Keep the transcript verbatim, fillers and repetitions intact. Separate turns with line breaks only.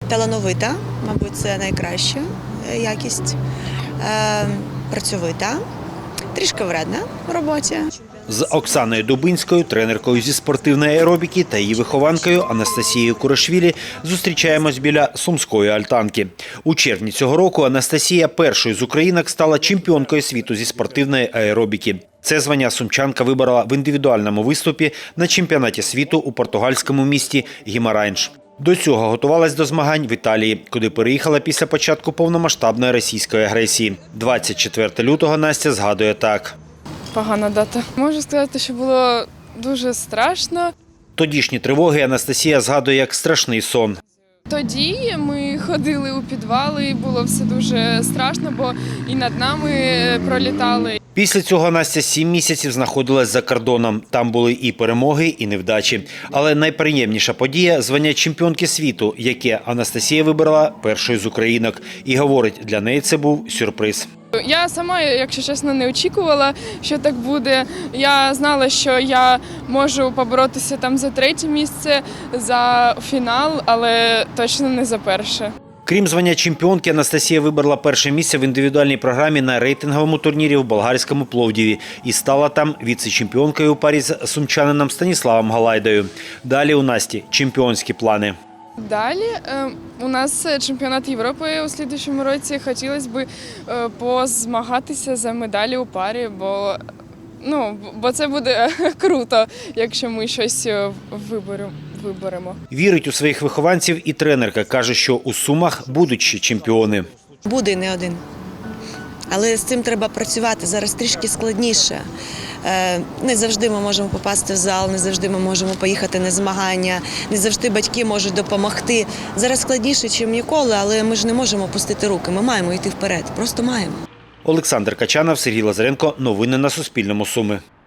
талановита, мабуть, це найкраща якість, працьовита, трішки вредна в роботі.
З Оксаною Дубинською, тренеркою зі спортивної аеробіки та її вихованкою Анастасією Курашвілі зустрічаємось біля Сумської альтанки. У червні цього року Анастасія першою з українок стала чемпіонкою світу зі спортивної аеробіки. Це звання сумчанка виборола в індивідуальному виступі на чемпіонаті світу у португальському місті Гімарайнш. До цього готувалась до змагань в Італії, куди переїхала після початку повномасштабної російської агресії. двадцять четвертого лютого Настя згадує так.
Погана дата. Можу сказати, що було дуже страшно.
Тодішні тривоги Анастасія згадує як страшний сон.
Тоді ми ходили у підвали, і було все дуже страшно, бо і над нами пролітали.
Після цього Настя сім місяців знаходилась за кордоном. Там були і перемоги, і невдачі. Але найприємніша подія – звання чемпіонки світу, яке Анастасія вибрала першою з українок. І говорить, для неї це був сюрприз.
Я сама, якщо чесно, не очікувала, що так буде. Я знала, що я можу поборотися там за третє місце, за фінал, але точно не за перше.
Крім звання чемпіонки, Анастасія вибрала перше місце в індивідуальній програмі на рейтинговому турнірі в болгарському Пловдіві і стала там віце-чемпіонкою у парі з сумчанином Станіславом Галайдою. Далі у Насті чемпіонські плани.
Далі е, у нас чемпіонат Європи у слідчому році. Хотілося б е, позмагатися за медалі у парі, бо, ну, бо це буде круто, якщо ми щось виберемо. виберемо.
Вірить у своїх вихованців і тренерка. Каже, що у Сумах будуть ще чемпіони.
Буде не один. Але з цим треба працювати. Зараз трішки складніше. Не завжди ми можемо попасти в зал, не завжди ми можемо поїхати на змагання, не завжди батьки можуть допомогти. Зараз складніше, ніж ніколи, але ми ж не можемо опустити руки. Ми маємо йти вперед. Просто маємо.
Олександр Качанов, Сергій Лазаренко. Новини на Суспільному. Суми.